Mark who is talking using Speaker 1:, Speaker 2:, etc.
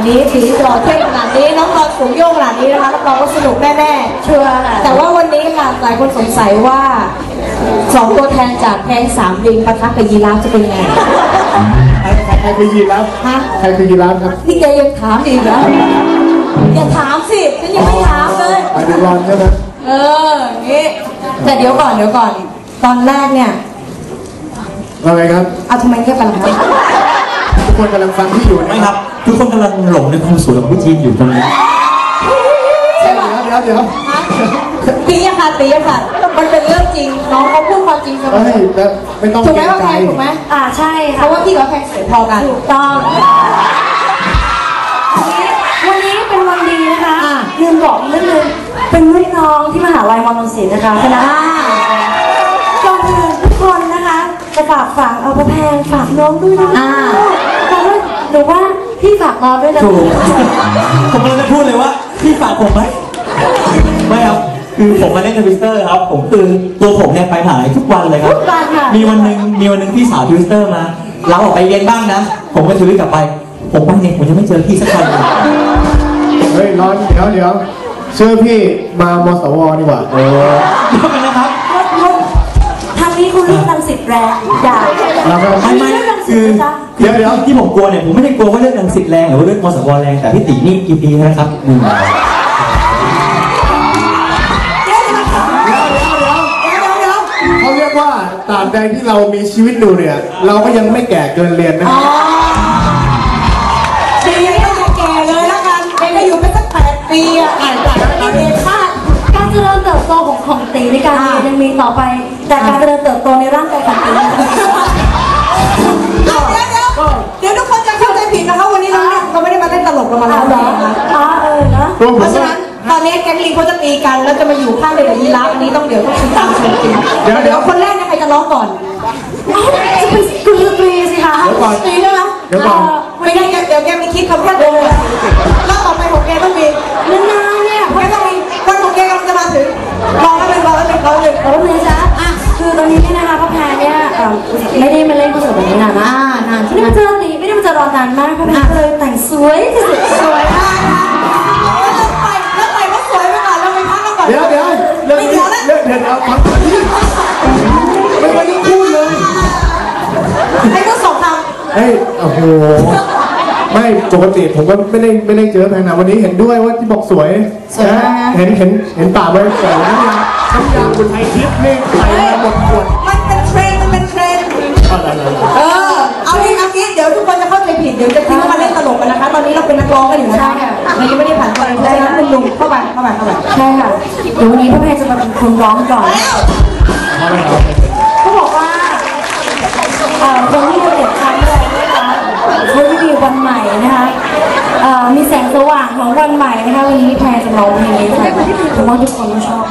Speaker 1: นี้สีหล่อเท่ขนาดนี้น้องรอนสูงโยกขนาดนี้นะคะรับรองว่าสนุกแน่ๆชัวร์ค่ะแต่ว่าวันนี้ค่ะหลายคนสงสัยว่า2ตัวแทนจากแพง3ลิงปะทะกับยีราฟจะเป็นไง
Speaker 2: ใครคือยีราฟฮะใครคือยีราฟครับ
Speaker 1: นี่แกยังถามอีกเหรออย่าถามสิฉันยังไม่ถามเลย
Speaker 2: ไปดูรอนใช่ไหม
Speaker 1: นี่แต่เดี๋ยวก่อนตอนแรกเนี่ย
Speaker 2: อะไรครับ
Speaker 1: ทำไมแค่กันครับ
Speaker 2: ทุกคนกำลังฟังที่อยู่
Speaker 3: ไม่ครับทุกคนกำลังหลงในความสวยของพี่จีนอยู่ตรงนี้
Speaker 1: ใช่ป่ะเดี๋ยวตีอะค่ะมันเป็นเรื่องจริงน้องเขาพูดความจริงเสมอ
Speaker 2: ไม่ต้อง
Speaker 1: ถูกไหมว่าแพงถูกไหมใช่เพราะว่าพี่กับแพงสวยพอกันถูกต้อง
Speaker 4: วันนี้เป็นวันดีนะคะลืมบอกนิดนึงเป็นรุ่นน้องที่มหาลัยมอญศิลป์นะคะคณะก่อนอื่นทุกคนนะคะจะฝากเอาพระแพงฝากน้องด้วยนะฝากด้วยหรือว่าพี่ฝากน้องด้วยนะ
Speaker 3: ผมกำลังจะพูดเลยว่าพี่ฝากผมไหมไม่ครับคือผมมาเล่นทวิสเตอร์ครับผมคือตัวผมเนี่ยไปหายทุกวันเลยครับมีวันหนึ่งพี่สาวทวิสเตอร์มาเราออกไปเรียนบ้างนะผมก็ทวิตกลับไปผมไปเนี่ยผมยังไม่เจอพี่สักคนเลย
Speaker 2: เฮ้ยร้อนเดี๋ยวเชื่อพี่มามสวดีกว่า
Speaker 3: เดี๋ยวกันนะครับ
Speaker 4: ทางนี้คุณเลือกรังสิตแรงอย่า
Speaker 3: ไม่คือเดี๋ยวที่ผมกลัวเนี่ยผมไม่ได้กลัวว่าเลือกรังสิตแรงหรือว่าเลือกมสวแรงแต่พี่ตีนี่กี่ปีนะครับ
Speaker 2: เขาเรียกว่าตราบใดที่เรามีชีวิตอยู่เนี่ยเราก็ยังไม่แก่เกินเรียนนะ
Speaker 1: ปีนี้ก็ยังแก่เลยแล้วกันไม่อยู่ไปสัก8 ปีไม่ได้คาด
Speaker 4: การเจริญเติบโตของตีในการเรียนยังมีต่อไปแต่การเจริญเติบโตในร่างกายของตี
Speaker 1: เดี๋ยวทุกคนจะเข้าใจผิดนะคะวันนี้เราไม่ได้มาเล่นตลกกันมาแล้วนะเพราะฉะนั้นตอนนี้แก๊งลิงเขาจะตีกันแล้วจะมาอยู่ข้างเด็กกับยีราฟอันนี้ต้องเดี๋ยวติดตามชมจริงเดี๋ยวคนแรกเนี่ยใครจะร้องก่อน
Speaker 4: จะเป็นคุณดนตรีสิคะ
Speaker 1: ตีได้ไหมไม่ได้เดี๋ยวแกมีคิดคำแค่เดียวเลยแล้วต่อไปของแกต้องมี
Speaker 4: นานๆเนี่ย
Speaker 1: แกต้องมีวันของแกกำลังจะมาถึงรอแล้ว
Speaker 4: เลยจ้ะคือตอนนี้เนี่ยนะคะพ่อแพรเนี่ยไม่ได้มาเล่นคอนเสิร์ตแบบนี้นานมากไม่ได้มาเจอตีไม่ได้มาเจอรอนานมากพ่อแพรเลยแต่งสวยที่สุด
Speaker 1: สวยมากแล้วไปก็สวยไปก่อนเราไปพักกันก่อน
Speaker 2: เดี๋ยวฟังที่ไม่ได้พูดเลย
Speaker 1: ให้ก็2 คำ
Speaker 2: เฮ้ยโอ้โหไม่ปกติผมก็ไม่ได้เจอแพงนะวันนี้เห็นด้วยว่าที่บอกสวยนะเห็นป่าไว้แต่น้ำยาคนไทยทิพย์นี่ใส่มาหมดขวด
Speaker 1: มันเป็นเทรนเอางี้เดี๋ยวทุกคนจะเข้าใจผิดเดี๋ยวจะคิดว่ามาเล่นตลกกันนะคะตอนนี้เราเป็นนักร้องกันอยู่นะคะเรายังไม่ได้ผ่านการได้นะคุณลุงเข้าไป
Speaker 4: ใช่ค่ะเดี๋ยววันนี้พ่อแม่จะมาเป็นคนร้องก่อนเขาบอกว่าคนที่จะเด็ดครั้งแรกนะคะเขาจะมีวันใหม่นะคะมีแสงสว่างของวันใหม่นะคะวันนี้แพรจะร้องเพลงนี้ค่ะผมว่าทุกคนต้องชอบ